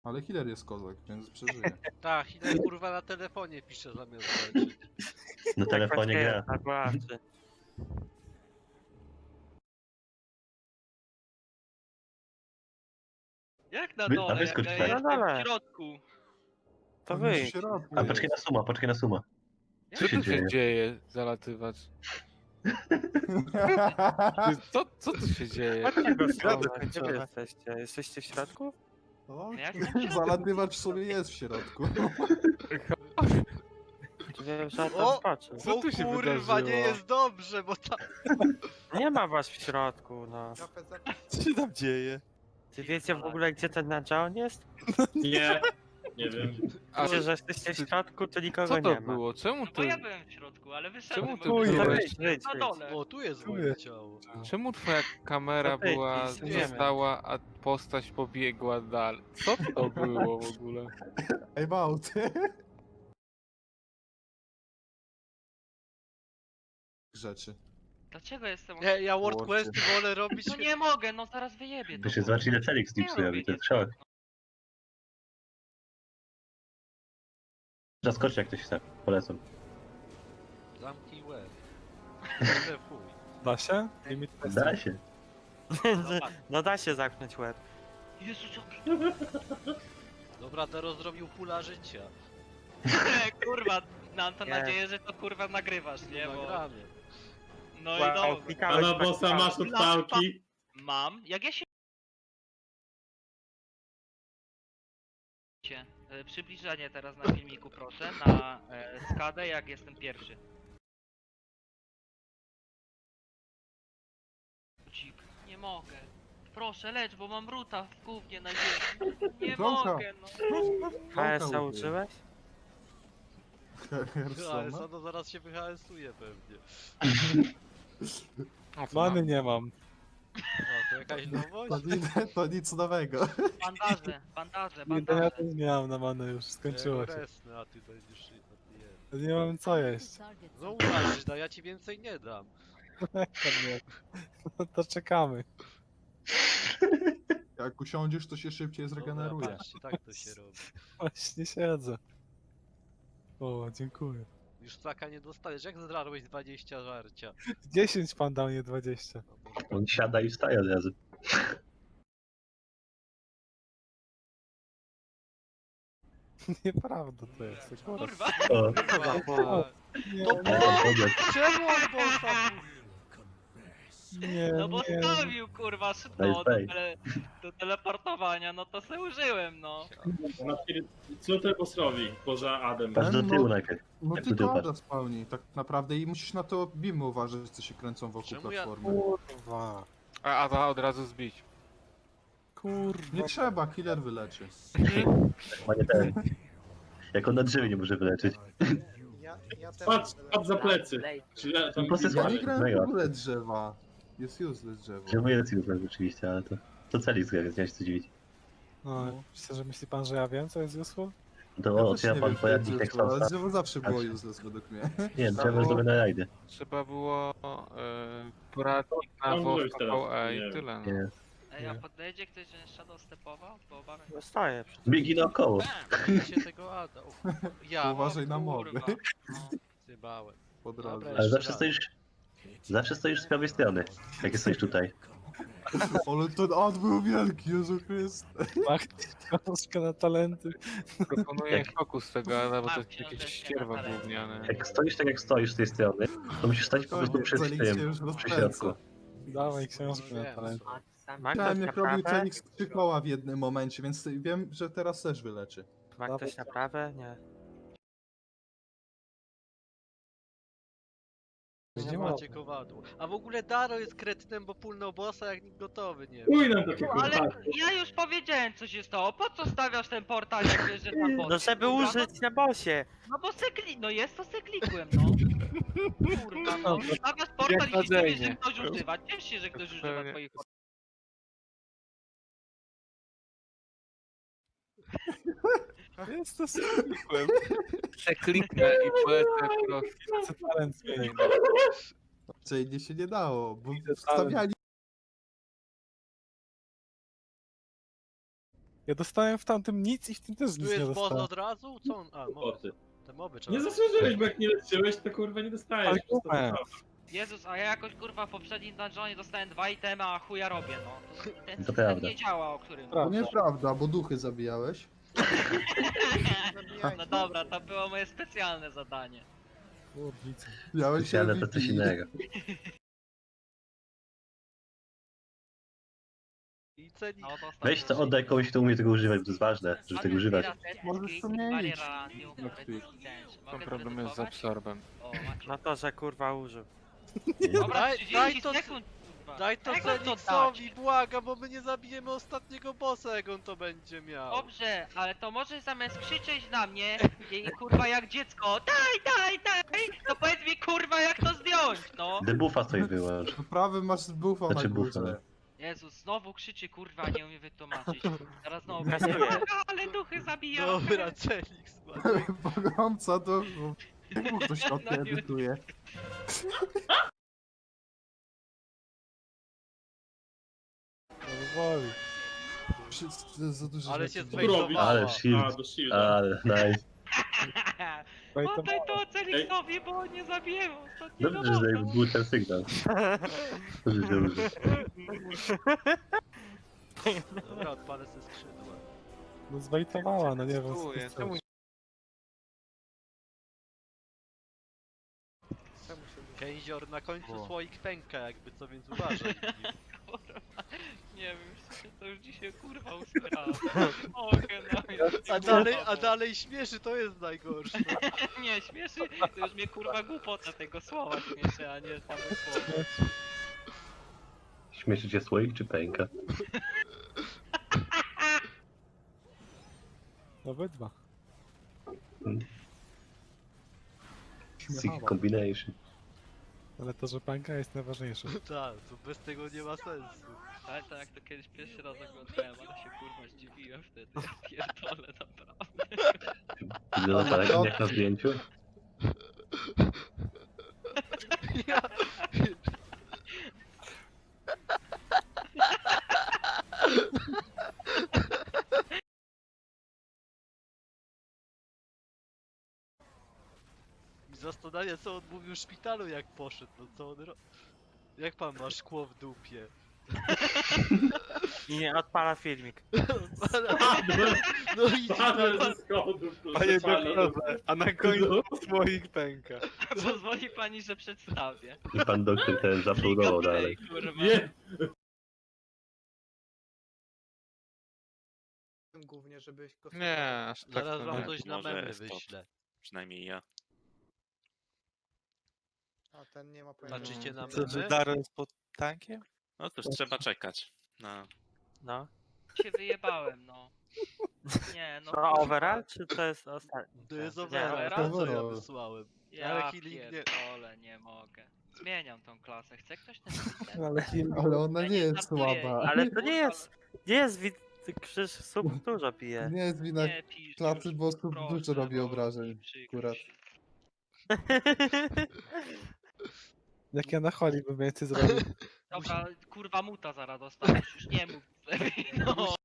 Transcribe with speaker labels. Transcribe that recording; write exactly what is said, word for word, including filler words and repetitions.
Speaker 1: Ale healer jest kozak, więc przeżyje.
Speaker 2: Tak, Hiller kurwa na telefonie pisze zamiast leczyć.
Speaker 3: Na telefonie gra.
Speaker 4: Tak właśnie.
Speaker 5: Jak na
Speaker 3: Wy- a
Speaker 5: dole, jak
Speaker 3: wyskocz
Speaker 5: ja
Speaker 3: tak.
Speaker 5: jestem
Speaker 4: Na dole.
Speaker 5: w środku.
Speaker 4: To
Speaker 1: On
Speaker 4: wy.
Speaker 1: już w środku
Speaker 3: A poczekaj na
Speaker 1: jest.
Speaker 3: suma, poczekaj na suma.
Speaker 5: Jak
Speaker 3: Co
Speaker 6: Co
Speaker 3: się
Speaker 6: tu się
Speaker 3: dzieje?
Speaker 6: dzieje, zalatywać? Ty, Co, co tu się dzieje?
Speaker 4: Chodźcie go
Speaker 6: Środek
Speaker 4: schować. Gdzie wy
Speaker 6: końcowy.
Speaker 4: jesteście? Jesteście w środku?
Speaker 1: O,
Speaker 5: Ja jestem w środku.
Speaker 1: zalatywacz w sobie jest w środku.
Speaker 4: Wiem, że
Speaker 2: O!
Speaker 4: tam patrzę.
Speaker 6: Co
Speaker 2: O
Speaker 6: tu się
Speaker 2: kurwa,
Speaker 6: wydarzyło?
Speaker 2: nie jest dobrze, bo ta...
Speaker 4: Nie ma was w środku, no.
Speaker 6: Co się tam dzieje?
Speaker 4: Czy wiecie w ogóle, gdzie ten Nadżaon jest?
Speaker 7: Nie, nie wiem.
Speaker 6: A
Speaker 4: Wiecie, że jesteście w środku, to nikogo
Speaker 6: co
Speaker 4: nie
Speaker 6: to
Speaker 4: ma.
Speaker 6: było? Czemu
Speaker 5: No
Speaker 6: ty,
Speaker 5: bo ja byłem w środku, ale wyszedłem.
Speaker 6: Czemu
Speaker 5: bo
Speaker 6: ty
Speaker 5: byłem
Speaker 6: byłeś?
Speaker 5: na
Speaker 4: Wyjdź, wyjdź,
Speaker 5: na
Speaker 4: wyjdź.
Speaker 5: dole.
Speaker 2: O, tu jest
Speaker 6: Tu
Speaker 2: moje
Speaker 6: jest.
Speaker 2: ciało.
Speaker 6: czemu twoja kamera
Speaker 4: No ty,
Speaker 6: była,
Speaker 4: ty, nie
Speaker 6: została, a postać pobiegła dalej? Co to było w ogóle?
Speaker 1: Ej, Małty. Rzeczy.
Speaker 5: Dlaczego jestem...
Speaker 2: Nie, ja World
Speaker 1: World.
Speaker 2: Questy wolę robić...
Speaker 5: No nie mogę, no zaraz wyjebię to.
Speaker 3: Wy się zobaczyli ile Felix
Speaker 5: Nie
Speaker 3: Dipsuje,
Speaker 5: robię
Speaker 3: to
Speaker 5: nie.
Speaker 3: jest szok. Zaskoczcie jak ktoś chce, polecam.
Speaker 2: Zamknij łeb. Kurde, fuj.
Speaker 6: Da się?
Speaker 3: Da się.
Speaker 4: No da się zamknąć łeb.
Speaker 5: Jezu, co...
Speaker 2: Dobra, Dero zrobił pula życia.
Speaker 5: kurwa, mam to
Speaker 4: Nie.
Speaker 5: nadzieję, że to kurwa nagrywasz, nie? Bo...
Speaker 2: Nagramy.
Speaker 5: No i
Speaker 4: Wow,
Speaker 5: dobra.
Speaker 4: klikałeś
Speaker 7: Pana
Speaker 4: tak
Speaker 7: bossa
Speaker 4: samo.
Speaker 7: masz od pałki.
Speaker 5: Mam. Jak ja się... E, Przybliżenie teraz na filmiku, proszę, na e, skadę, jak jestem pierwszy. Dzik, nie mogę. Proszę, lecz, bo mam ruta w gównie na ziemi. Nie
Speaker 1: Bronka.
Speaker 5: mogę, no.
Speaker 4: H S a uczyłeś?
Speaker 2: Ale
Speaker 1: Hersona?
Speaker 2: no zaraz się wyhałasuje pewnie.
Speaker 6: Many nie mam.
Speaker 2: No, to jakaś nowość?
Speaker 1: To, ni- to nic nowego.
Speaker 5: Bandaże, bandaże,
Speaker 6: Nie, ja
Speaker 5: bandaże.
Speaker 6: też nie mam na manę już, skończyło się.
Speaker 2: Resny, a ty będziesz... A ty je.
Speaker 6: Nie mam co jeść.
Speaker 2: No uważaj, no ja ci więcej nie dam.
Speaker 6: No to czekamy.
Speaker 1: Jak usiądziesz, to się szybciej zregeneruje.
Speaker 2: Dobra, patrzcie, tak to się robi.
Speaker 6: Właśnie siedzę. O, dziękuję.
Speaker 2: Już flaka nie dostaniesz, jak zdarłeś dwadzieścia żarcia?
Speaker 6: dziesięć pan dał, nie dwadzieścia.
Speaker 2: No, może
Speaker 3: On siada i wstaje od razu.
Speaker 6: Nieprawda to jest. Akurat.
Speaker 5: Kurwa.
Speaker 3: O,
Speaker 2: kurwa.
Speaker 6: Nie,
Speaker 2: To
Speaker 6: nie,
Speaker 3: powiedz.
Speaker 2: Czemu on bossa
Speaker 6: nie,
Speaker 5: No bo
Speaker 6: nie.
Speaker 5: stawił kurwa
Speaker 3: Daj
Speaker 5: szybko do,
Speaker 3: spray.
Speaker 5: tele, do teleportowania, no to se użyłem, no.
Speaker 7: Co to bossowi poza Adem?
Speaker 3: patrz do
Speaker 1: No,
Speaker 3: tyłu najpierw.
Speaker 1: No
Speaker 3: Jak tu
Speaker 1: tylko
Speaker 3: dupasz?
Speaker 1: Ada spełni, tak naprawdę. I musisz na to bimy uważać, co się kręcą wokół
Speaker 2: Czemu ja-
Speaker 1: platformy.
Speaker 6: Kurwa. A, a to od razu zbić. Kurwa.
Speaker 1: Nie trzeba, killer wyleczy.
Speaker 3: Ma nie ten. Jak on na drzewie nie może wyleczyć.
Speaker 7: Patrz, patrz za plecy. Czy ja tam
Speaker 3: No, po prostu
Speaker 1: Ja nie
Speaker 3: Mega.
Speaker 1: grałem w ogóle drzewa. Jest useless drzewo.
Speaker 3: Drzewo jest useless oczywiście, ale to... To Felix gra, więc nie ma się co dziwić.
Speaker 6: No, myślę, że myśli pan, że ja wiem, co jest useful?
Speaker 3: To
Speaker 1: Ja
Speaker 3: o,
Speaker 1: też
Speaker 3: czy ja
Speaker 1: nie
Speaker 3: pan
Speaker 1: wiem, co
Speaker 3: pojawi
Speaker 1: jest
Speaker 3: tekst
Speaker 1: drzewo, ale
Speaker 3: sam.
Speaker 1: drzewo zawsze było
Speaker 3: Patrz.
Speaker 1: useless według mnie.
Speaker 3: Nie, drzewo jest dobre na rajdy.
Speaker 6: Trzeba było e, poradnik na
Speaker 7: No, może
Speaker 6: WoW
Speaker 7: być teraz,
Speaker 6: V E
Speaker 7: nie
Speaker 6: i
Speaker 7: wiem.
Speaker 6: tyle. No.
Speaker 3: Nie.
Speaker 5: Ej, a
Speaker 6: Nie.
Speaker 5: podejdzie ktoś, że Shadow stepował? Bo obawiam się.
Speaker 4: Zostaję.
Speaker 3: Biegi naokoło.
Speaker 2: się tego Ada. O, kurwa. Ja,
Speaker 1: Uważaj na moby
Speaker 5: Kurwa. No.
Speaker 2: zjebałem.
Speaker 1: Po drodze.
Speaker 2: Dobra,
Speaker 3: Ale
Speaker 2: jeszcze
Speaker 3: zawsze
Speaker 2: raz.
Speaker 3: stoisz... Zawsze stoisz z prawej strony. Jak stoisz tutaj.
Speaker 1: Ale ten ad był wielki, Jezu Chryste.
Speaker 6: Mach książkę na talenty. Proponuję
Speaker 3: Jak-
Speaker 6: fokus tego, ale bo to
Speaker 5: Mam
Speaker 6: jest jakieś
Speaker 5: książeczkę
Speaker 6: ścierwa
Speaker 5: na talenty.
Speaker 6: gówniane.
Speaker 3: Jak stoisz tak jak stoisz z tej strony, to musisz stać po prostu przy
Speaker 1: Felix się
Speaker 3: tym,
Speaker 1: już
Speaker 3: przy środku.
Speaker 1: rozpędza.
Speaker 6: Dawaj książkę na talenty.
Speaker 4: Ma
Speaker 1: Chciałem,
Speaker 4: ktoś
Speaker 1: jak robił
Speaker 4: naprawę?
Speaker 1: Felix trzy koła w jednym momencie, więc wiem, że teraz też wyleczy.
Speaker 4: Ma ktoś naprawę? Nie.
Speaker 2: Nie
Speaker 6: Nie
Speaker 2: macie kowadło. A w ogóle Daro jest kretynem, bo pulnął bossa jak nikt gotowy nie
Speaker 7: Uj nam takie
Speaker 5: No, ale
Speaker 7: kurwa.
Speaker 5: ja już powiedziałem co się stało. Po co stawiasz ten portal jak wiesz, że tam boss?
Speaker 4: No żeby
Speaker 5: Kurwa,
Speaker 4: użyć na bosie.
Speaker 5: No bo se kli... No jest to se klikłem, no. Kurwa, no. Stawiasz portal i się
Speaker 6: Jak
Speaker 5: dziwisz, że
Speaker 6: nadzejnie.
Speaker 5: ktoś używa. Ciesz się, że ktoś używa
Speaker 6: Zupełnie.
Speaker 5: twoich
Speaker 6: Jest to zwykłym. Przekliknę i polecę prosto. Co talent zmienił.
Speaker 1: Czyli się nie dało, bo
Speaker 6: Idę
Speaker 1: wstawiali
Speaker 8: Ja dostałem w tamtym nic i w tym też
Speaker 2: Tu
Speaker 8: nic nie
Speaker 2: jest boss
Speaker 8: dostałem.
Speaker 2: od razu? Co on? A, moby.
Speaker 7: Boty.
Speaker 2: Te moby trzeba...
Speaker 7: Nie zasłużyłeś, bo jak nie leczyłeś, to kurwa nie dostajesz.
Speaker 8: Ale
Speaker 7: Po prostu
Speaker 8: kumę.
Speaker 7: to-
Speaker 5: Jezus, a ja jakoś kurwa w poprzednim dungeonie dostałem dwa itemy, a chuja robię, no. To, ten
Speaker 3: To
Speaker 5: system
Speaker 3: prawda.
Speaker 5: nie działa, o którym...
Speaker 1: To nieprawda, bo duchy zabijałeś.
Speaker 5: No dobra, to było moje specjalne zadanie.
Speaker 8: Kurwica.
Speaker 1: Miałeś
Speaker 3: Ale to
Speaker 1: M V P.
Speaker 3: coś innego.
Speaker 2: I ceni...
Speaker 5: No, to
Speaker 3: Weź to oddaj komuś, kto umie tego używać, bo to jest ważne, żeby tego używać.
Speaker 1: Możesz to mieć.
Speaker 6: Tam problem jest z absorbem.
Speaker 5: O, macie.
Speaker 4: No to, że kurwa użył.
Speaker 5: Dobra,
Speaker 2: Daj- daj
Speaker 5: trzydzieści
Speaker 2: to-
Speaker 5: sekund, kurwa.
Speaker 2: Daj to
Speaker 5: Jak mam to
Speaker 2: Zeniksowi,
Speaker 5: dać?
Speaker 2: błagam, bo my nie zabijemy ostatniego bossa, jak on to będzie miał.
Speaker 5: Dobrze, ale to możesz zamiast krzyczeć na mnie i kurwa jak dziecko daj, daj, daj, to powiedz mi kurwa jak to zdjąć, no.
Speaker 3: Debuffa sobie wyłącz.
Speaker 1: Prawy masz buffa
Speaker 3: Znaczy
Speaker 1: na
Speaker 3: buffa,
Speaker 1: górze.
Speaker 5: Jezus, znowu krzyczy kurwa, nie umie wytłumaczyć. Teraz znowu
Speaker 4: Kasuję.
Speaker 5: będzie, ale duchy zabijają.
Speaker 2: Dobra, Zenix,
Speaker 1: Pogromca duchów. Czemu ktoś to
Speaker 5: No nie.
Speaker 1: edytuje?
Speaker 8: No woli.
Speaker 1: Wszyscy- To jest za dużo
Speaker 2: Ale
Speaker 1: rzeczy
Speaker 2: się
Speaker 1: do-
Speaker 7: Co robisz?
Speaker 2: zbejtowała.
Speaker 3: Ale
Speaker 7: A,
Speaker 3: shield.
Speaker 7: do shielda.
Speaker 3: Ale nice.
Speaker 5: Oddaj to Celiksowi, bo on nie zabijemy ostatniego
Speaker 3: Dobrze, że
Speaker 5: bossa.
Speaker 3: był ten sygnał. Dobrze, dobrze.
Speaker 2: Dobra, odpalę ze skrzydła.
Speaker 8: No zwejtowała, no nie wiem co
Speaker 6: Dziękuję.
Speaker 8: to jest.
Speaker 6: Czemu
Speaker 2: Kęzior na końcu
Speaker 8: O.
Speaker 2: słoik pęka, jakby co, więc uważaj.
Speaker 5: Kurwa, nie wiem, już się to już dzisiaj kurwa usłyszałem. Mogę, no.
Speaker 2: A dalej, a dalej śmieszy, to jest najgorsze.
Speaker 5: Nie, śmieszy, to już mnie kurwa głupota tego słowa śmieszy, a nie samo słowo.
Speaker 3: Śmieszy cię słoik czy pęka?
Speaker 8: Obydwa.
Speaker 3: Sick combination.
Speaker 8: Ale to, że pęka jest najważniejsze.
Speaker 2: Tak, to bez tego nie ma sensu.
Speaker 5: Ale to jak to kiedyś pierwszy raz oglądałem, ale się kurwa zdziwiłem wtedy, ja pierdolę naprawdę.
Speaker 3: Wygląda tak jak na zdjęciu.
Speaker 2: Ja... I zastanawia, co on mówił w szpitalu, jak poszedł, no co on ro... Jak pan ma szkło w dupie?
Speaker 4: I nie odpala filmik.
Speaker 2: No i...
Speaker 7: Padłem ze schodów.
Speaker 6: Panie
Speaker 7: Padłem.
Speaker 6: doktorze, a na końcu słoik pęka.
Speaker 5: Pozwoli pani, że przedstawię.
Speaker 3: I pan doktor ten zapludował dalej.
Speaker 5: Kurwa.
Speaker 7: Nie,
Speaker 9: Głównie, żebyś go...
Speaker 6: Nie, aż tak
Speaker 2: Zaraz
Speaker 6: to
Speaker 2: wam
Speaker 6: nie.
Speaker 2: coś na
Speaker 10: Może
Speaker 2: memy
Speaker 10: jest to.
Speaker 2: wyślę.
Speaker 10: Przynajmniej ja.
Speaker 9: A ten nie ma pojęcia.
Speaker 2: Patrzycie na
Speaker 8: Co, że
Speaker 2: memy?
Speaker 8: Daro jest pod tankiem?
Speaker 10: No cóż, trzeba czekać. Na...
Speaker 4: No.
Speaker 5: Się wyjebałem, no. Nie, no.
Speaker 4: To
Speaker 5: kurwa.
Speaker 4: overall, czy to jest ostatni?
Speaker 2: To jest
Speaker 4: Nie,
Speaker 2: overall,
Speaker 5: overall?
Speaker 2: ten co ja
Speaker 1: Overall.
Speaker 2: wysłałem.
Speaker 5: Ja
Speaker 2: Ale healing nie-
Speaker 5: pierdolę, nie mogę. Zmieniam tą klasę, chce ktoś ten system?
Speaker 8: Ale
Speaker 1: Ale ona
Speaker 5: Ja
Speaker 1: nie
Speaker 5: nie
Speaker 1: jest
Speaker 5: żartuję.
Speaker 1: słaba.
Speaker 4: Ale to nie jest, nie jest wid... Krzyż sub dużo pije.
Speaker 1: Nie jest wina
Speaker 5: Nie pisz
Speaker 1: klasy,
Speaker 5: już,
Speaker 1: bo sub
Speaker 5: proszę,
Speaker 1: dużo robi
Speaker 5: bo
Speaker 1: obrażeń.
Speaker 5: mi przykro
Speaker 1: Akurat.
Speaker 5: się.
Speaker 8: jak ja na holi bym więcej zrobił.
Speaker 5: Dobra, kurwa muta zaraz dostaniesz, już nie mów lepiej, no.